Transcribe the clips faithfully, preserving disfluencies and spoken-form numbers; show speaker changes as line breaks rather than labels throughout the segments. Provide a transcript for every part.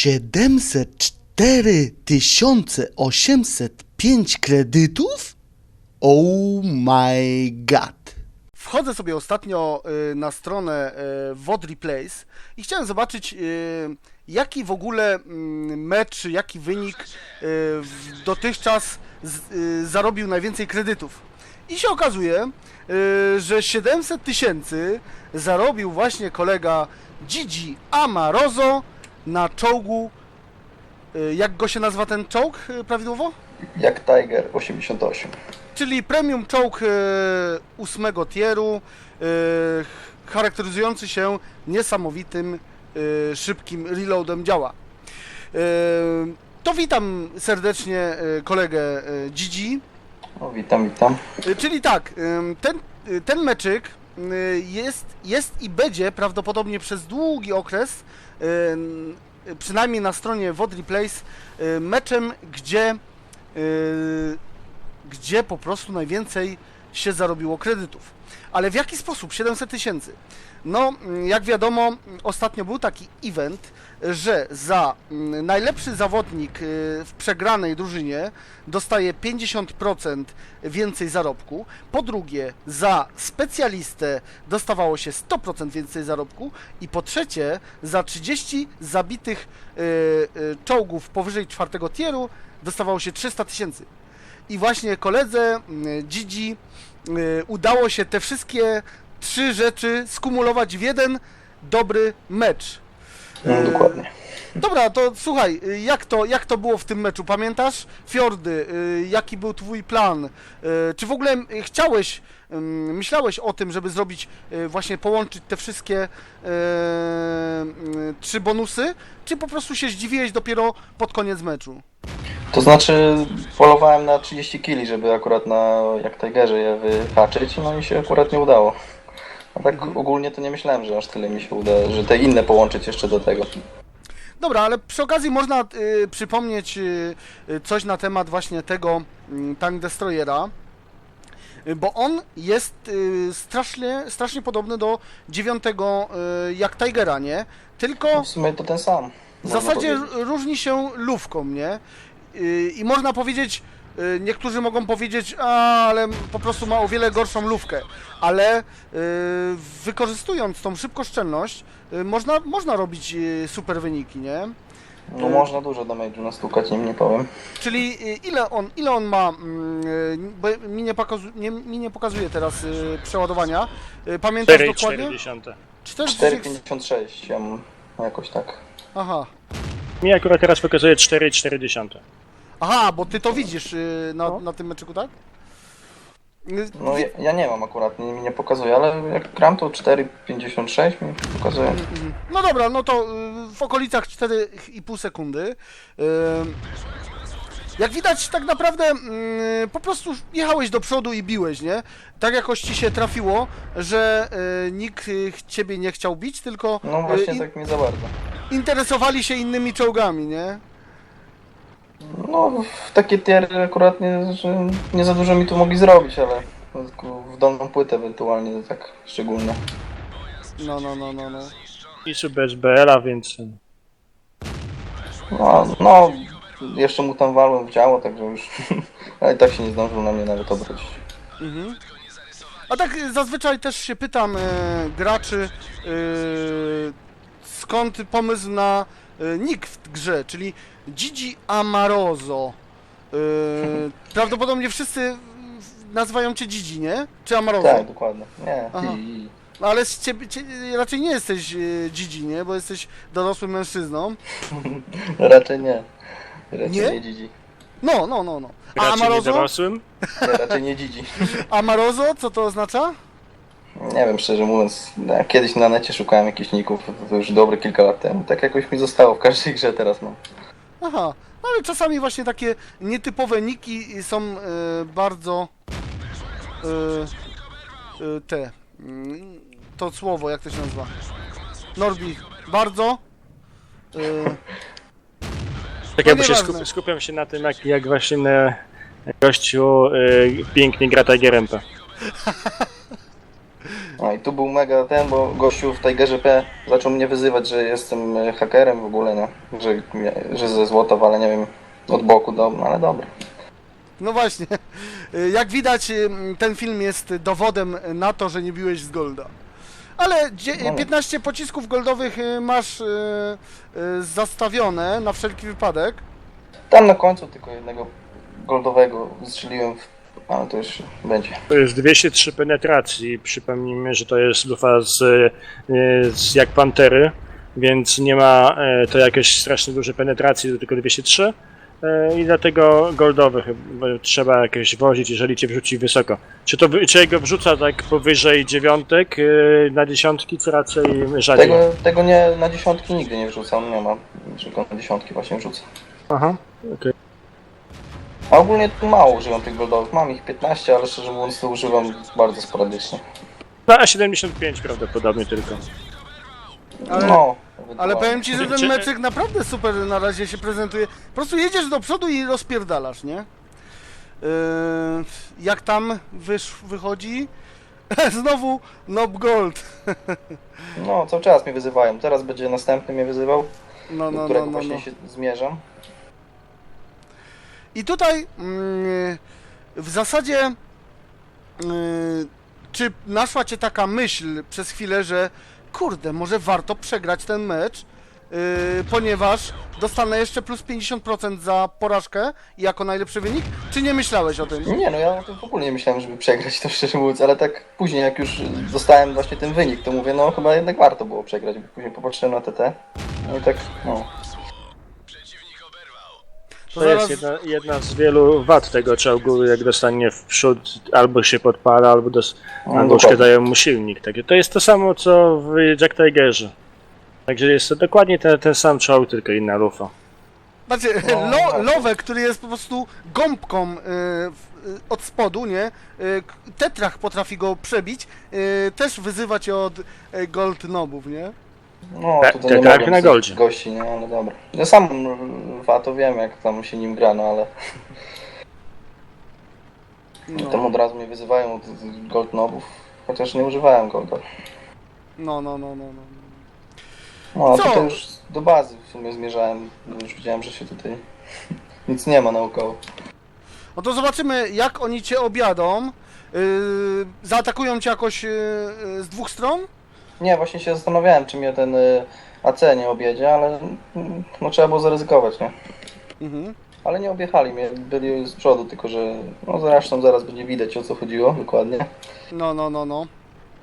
siedemset cztery tysiące osiemset pięć kredytów? Oh my god. Wchodzę sobie ostatnio y, na stronę y, Wodry Place i chciałem zobaczyć, y, jaki w ogóle y, mecz, jaki wynik y, w- dotychczas z, y, zarobił najwięcej kredytów. I się okazuje, y, że siedemset tysięcy zarobił właśnie kolega Gigi Amarozo na czołgu. y, Jak go się nazywa ten czołg y, prawidłowo?
Jak Tiger osiemdziesiąt osiem.
Czyli premium czołg e, ósmego tieru, e, charakteryzujący się niesamowitym, e, szybkim reloadem działa. E, to witam serdecznie e, kolegę e, Gigi.
O, witam, witam.
E, czyli tak, e, ten, e, ten meczyk e, jest, jest i będzie prawdopodobnie przez długi okres, e, przynajmniej na stronie Wodry Place, e, meczem, gdzie e, gdzie po prostu najwięcej się zarobiło kredytów. Ale w jaki sposób? siedemset tysięcy. No, jak wiadomo, ostatnio był taki event, że za mm, najlepszy zawodnik y, w przegranej drużynie dostaje pięćdziesiąt procent więcej zarobku. Po drugie, za specjalistę dostawało się sto procent więcej zarobku. I po trzecie, za trzydzieści zabitych y, y, czołgów powyżej czwartego tieru dostawało się trzysta tysięcy. I właśnie koledze y, Gigi y, udało się te wszystkie trzy rzeczy skumulować w jeden dobry mecz.
No, dokładnie.
Dobra, to słuchaj, y, jak to, jak to było w tym meczu? Pamiętasz? Fjordy, y, jaki był twój plan? Y, Czy w ogóle y, chciałeś, ym, myślałeś o tym, żeby zrobić, y, właśnie połączyć te wszystkie y, y, trzy bonusy? Czy po prostu się zdziwiłeś dopiero pod koniec meczu?
To znaczy polowałem na trzydzieści kili, żeby akurat na jak Tigerze je wyhaczyć, no i się akurat nie udało. A tak
Mhm.
ogólnie to nie myślałem, że aż tyle mi się uda, że te inne połączyć jeszcze do tego.
Dobra, ale przy okazji można y, przypomnieć y, y, coś na temat właśnie tego y, Tank Destroyera, y, bo on jest y, strasznie, strasznie podobny do dziewiątego y, jak Tigera, nie? Tylko
W sumie to ten sam.
w
można
zasadzie
powiedzieć.
różni się lufką, nie? Y, I można powiedzieć, y, niektórzy mogą powiedzieć, a, ale po prostu ma o wiele gorszą lufkę, ale y, wykorzystując tą szybkoszczelność, y, można, można robić y, super wyniki, nie?
No można dużo damage'u nastukać, nim nie powiem.
Czyli y, ile on, ile on ma, mm, y, bo mi nie, pokazu, nie, mi nie pokazuje teraz y, przeładowania, y, pamiętasz
cztery
dokładnie?
cztery.
cztery
cztery pięćdziesiąt sześć, ja mam jakoś tak.
Aha.
Mi akurat teraz pokazuje cztery cztery.
Aha, bo ty to widzisz y, na, na tym meczyku, tak? Y,
No ja, ja nie mam akurat, nie, mi nie pokazuje, ale jak gram to cztery pięćdziesiąt sześć mi pokazuje.
No dobra, no to y, w okolicach cztery i pół sekundy. Y, Jak widać, tak naprawdę y, po prostu jechałeś do przodu i biłeś, nie? Tak jakoś ci się trafiło, że y, nikt y, ciebie nie chciał bić, tylko
No właśnie
y, in-
tak mi za bardzo.
interesowali się innymi czołgami, nie?
No, w takie tiery akurat nie, że nie za dużo mi tu mogli zrobić, ale w dolną płytę ewentualnie to tak szczególnie.
No, no, no, no, no.
I sub bez B L a, więc
No, no, jeszcze mu tam walłem w działo, także już, ale i tak się nie zdążył na mnie nawet obrócić.
Mhm. A tak y, zazwyczaj też się pytam y, graczy, y, skąd pomysł na y, nick w grze, czyli Gigi Amarozo. Y, prawdopodobnie wszyscy nazywają cię Gigi, nie? Czy Amarozo?
Tak, dokładnie. Nie,
Aha.
i, i.
No, ale z ciebie, cie, raczej nie jesteś y, Gigi, nie? Bo jesteś dorosłym mężczyzną.
raczej nie. Raczej
Nie?
nie, Gigi.
No, no, no, no. A
raczej nie
Amarozo?
dorosłym.
Nie, raczej nie Gigi.
Amarozo, co to oznacza?
Nie wiem, szczerze mówiąc, ja kiedyś na necie szukałem jakichś ników, to, to już dobre kilka lat temu. Tak jakoś mi zostało w każdej grze teraz mam.
Aha, no ale czasami właśnie takie nietypowe niki są e, bardzo e, e, te, mm, to słowo, jak to się nazywa? Norbi, bardzo e,
Tak
No
jakby się
nieważne.
skup, skupiam się na tym, jak, jak właśnie na gościu y, pięknie gra Tigerem.
No i tu był mega ten, bo gościu w Tigerze P zaczął mnie wyzywać, że jestem e, hakerem w ogóle, no. Że, że ze złota, ale nie wiem, od boku, do, ale dobra.
No właśnie, jak widać ten film jest dowodem na to, że nie biłeś z golda. Ale dzie-
No.
piętnaście pocisków goldowych y, masz y, y, zastawione na wszelki wypadek.
Tam na końcu tylko jednego goldowego strzeliłem, w... ale to już będzie.
To jest dwieście trzy penetracji. Przypomnijmy, że to jest lufa z, y, z jak Pantery, więc nie ma y, to jakieś strasznie duże penetracji, to tylko dwieście trzy. Y, I dlatego goldowy chyba trzeba jakieś wozić, jeżeli cię wrzuci wysoko. Czy to wy- czy go wrzuca tak powyżej dziewiątek y, na dziesiątki, czy raczej rzadziej?
Tego, tego nie, na dziesiątki nigdy nie wrzucam, nie ma, tylko na dziesiątki właśnie wrzucę.
Aha, okej.
A ogólnie tu mało używam tych goldowych, mam ich piętnaście, ale szczerze mówiąc to używam bardzo sporadycznie.
Na siedemdziesiąt pięć prawdopodobnie tylko.
Ale,
No,
ale
ewentualnie.
powiem ci, że ten
Czy-
meczyk naprawdę super na razie się prezentuje. Po prostu jedziesz do przodu i rozpierdalasz, nie? Yy, jak tam wysz, wychodzi? Znowu Nob Gold.
No, cały czas mnie wyzywają, teraz będzie następny mnie wyzywał,
No,
do
no,
którego
no, no,
właśnie
no.
się zmierzam.
I tutaj mm, w zasadzie yy, czy naszła cię taka myśl przez chwilę, że kurde, może warto przegrać ten mecz, yy, ponieważ dostanę jeszcze plus pięćdziesiąt procent za porażkę jako najlepszy wynik? Czy nie myślałeś o tym?
Nie no, ja o tym w ogóle nie myślałem, żeby przegrać to szczerze mówiąc, ale tak później jak już dostałem właśnie ten wynik, to mówię, no chyba jednak warto było przegrać, bo później popatrzyłem na T T, no i tak, no.
To
To
zaraz-
jest jedna, jedna z wielu wad tego czołgu, jak dostanie w przód, albo się podpala, albo, dos,
No,
albo
dokładnie.
uszkadzają mu silnik. Takie. To jest to samo, co w Jack Tigerze. Także jest to dokładnie ten, ten sam czołg, tylko inna lufa.
Znaczy,
No,
lo,
właśnie.
Lowek, który jest po prostu gąbką y, w- y, od spodu, nie? Y, k- Tetrach potrafi go przebić, y, też wyzywa cię od y, Gold Nobów, nie?
No,
Tak,
tutaj
tak,
nie
tak,
mogłem
na
z
goldzie.
gości, nie, ale dobra. Ja sam lwa to wiem, jak tam się nim gra, no ale tam
No,
od razu mnie wyzywają od gold nobów, chociaż nie używałem golda.
no, no, no, no. no.
No, a
Co?
tutaj już do bazy w sumie zmierzałem, bo już widziałem, że się tutaj nic nie ma naokoło.
No to zobaczymy, jak oni cię objadą. Y, zaatakują cię jakoś y, y, z dwóch stron?
Nie, właśnie się zastanawiałem, czy mnie ten y, A C nie objedzie, ale mm, no trzeba było zaryzykować, nie?
Mhm.
Ale nie objechali mnie, byli z przodu, tylko że no zresztą zaraz będzie widać, o co chodziło dokładnie.
No, no, no, no.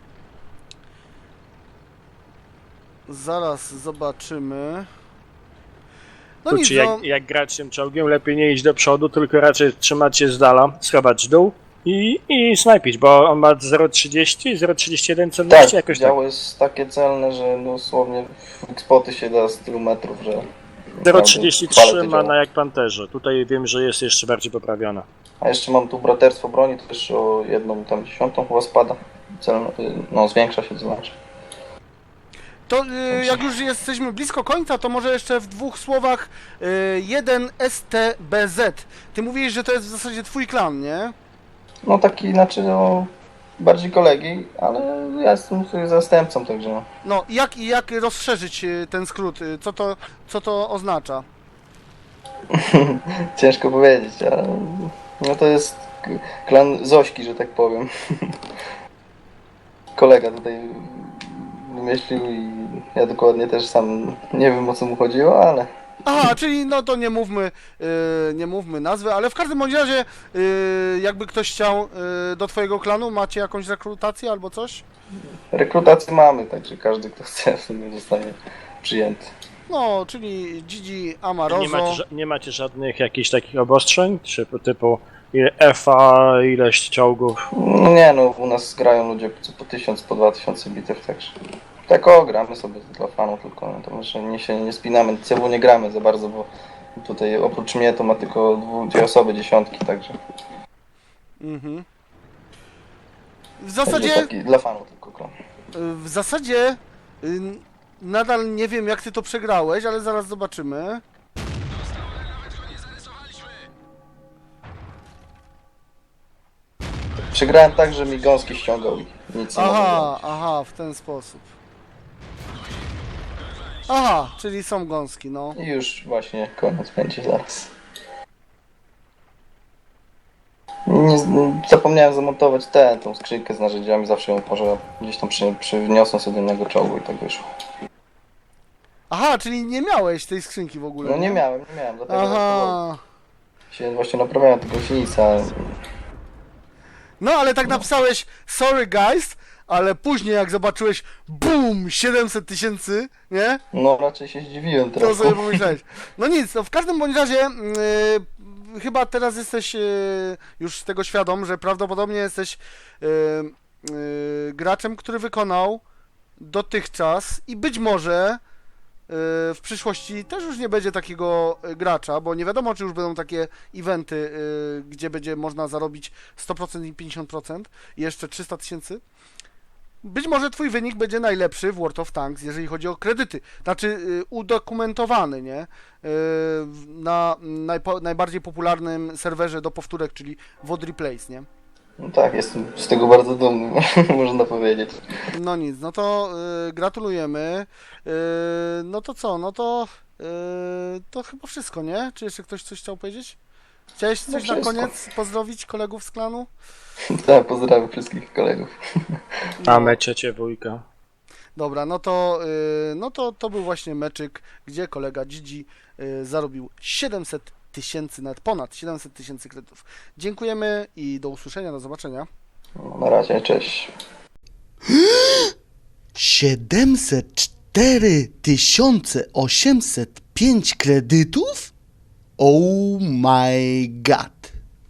Zaraz zobaczymy. No nic,
Czy
no.
jak, jak grać tym czołgiem, lepiej nie iść do przodu, tylko raczej trzymać się z dala, schować w dół i, i snajpić, bo on ma zero przecinek trzydzieści, zero przecinek trzydzieści jeden celności,
Tak,
jakoś tak.
działo jest takie celne, że dosłownie w spoty się da z tylu metrów, że...
zero
naprawdę
przecinek trzydzieści
chwalę
trzy
to
ma
działo.
na jak Panterze. Tutaj wiem, że jest jeszcze bardziej poprawiona.
A jeszcze mam tu braterstwo broni, to też o jedną tam dziesiątą chyba spada. Celno, no zwiększa się to znaczy.
To y, jak już jesteśmy blisko końca, to może jeszcze w dwóch słowach y, jeden S T B Z. Ty mówisz, że to jest w zasadzie twój klan, nie?
No taki, znaczy no, bardziej kolegi, ale ja jestem tutaj zastępcą, także no.
No i jak, i jak rozszerzyć y, ten skrót? Y, Co to, co to oznacza?
Ciężko powiedzieć, ale no to jest k- klan Zośki, że tak powiem. Kolega tutaj wymyślił i ja dokładnie też sam nie wiem, o co mu chodziło, ale
Aha, czyli no to nie mówmy, y, nie mówmy nazwy, ale w każdym bądź razie y, jakby ktoś chciał y, do twojego klanu, macie jakąś rekrutację albo coś?
rekrutację mamy, także każdy, kto chce, w sumie zostanie przyjęty.
No, czyli Gigi
Nie
Amarozo.
macie, ża- nie macie żadnych jakichś takich obostrzeń, czy typu ile F A, ileś czołgów?
No nie no, u nas grają ludzie co po tysiąc, po dwa tysiące bitew, także tak o, gramy sobie dla fanów tylko, no to może nie się nie spinamy, C W nie gramy za bardzo, bo tutaj oprócz mnie to ma tylko dwu, dwie osoby, dziesiątki, także,
Mhm. W
także
zasadzie,
taki dla fanów tylko klan.
w zasadzie y, nadal nie wiem jak ty to przegrałeś, ale zaraz zobaczymy.
Przegrałem tak, że mi gąski ściągał ich. nic nie mogę
Aha,
zrobić.
aha, w ten sposób. Aha, czyli są gąski, no.
I już właśnie koniec będzie zaraz. Nie, z- zapomniałem zamontować tę, tą skrzynkę z narzędziami, zawsze ją może gdzieś tam przy, przyniosłem sobie do innego czołgu i tak wyszło.
Aha, czyli nie miałeś tej skrzynki w ogóle.
No nie miałem, nie miałem, dlatego
Aha.
się właśnie naprawiałem tego silnica.
No ale tak napisałeś sorry guys, ale później jak zobaczyłeś BOOM! siedemset tysięcy, nie?
No raczej się zdziwiłem
To
trochę.
sobie pomyślałeś. No nic, no w każdym bądź razie yy, chyba teraz jesteś yy, już tego świadom, że prawdopodobnie jesteś yy, yy, graczem, który wykonał dotychczas i być może yy, w przyszłości też już nie będzie takiego yy, gracza, bo nie wiadomo, czy już będą takie eventy, yy, gdzie będzie można zarobić sto procent i pięćdziesiąt procent i jeszcze trzysta tysięcy. Być może twój wynik będzie najlepszy w World of Tanks, jeżeli chodzi o kredyty. Znaczy y, udokumentowany, nie? Y, na najpo, najbardziej popularnym serwerze do powtórek, czyli Wodry Place, nie?
No tak, jestem z tego bardzo dumny, można powiedzieć.
No nic, no to y, gratulujemy. Y, no to co, no to y, to chyba wszystko, nie? Czy jeszcze ktoś coś chciał powiedzieć? Chciałeś coś
No
na
wszystko.
koniec pozdrowić kolegów z klanu?
Tak, pozdrawiam wszystkich kolegów.
Mamy ciecie wujka.
Dobra, no to, y, no to to był właśnie meczyk, gdzie kolega Gigi y, zarobił siedemset tysięcy, nawet ponad siedemset tysięcy kredytów. Dziękujemy i do usłyszenia, do zobaczenia.
No, na razie, cześć.
siedemset cztery tysiące osiemset pięć kredytów? Oh my god.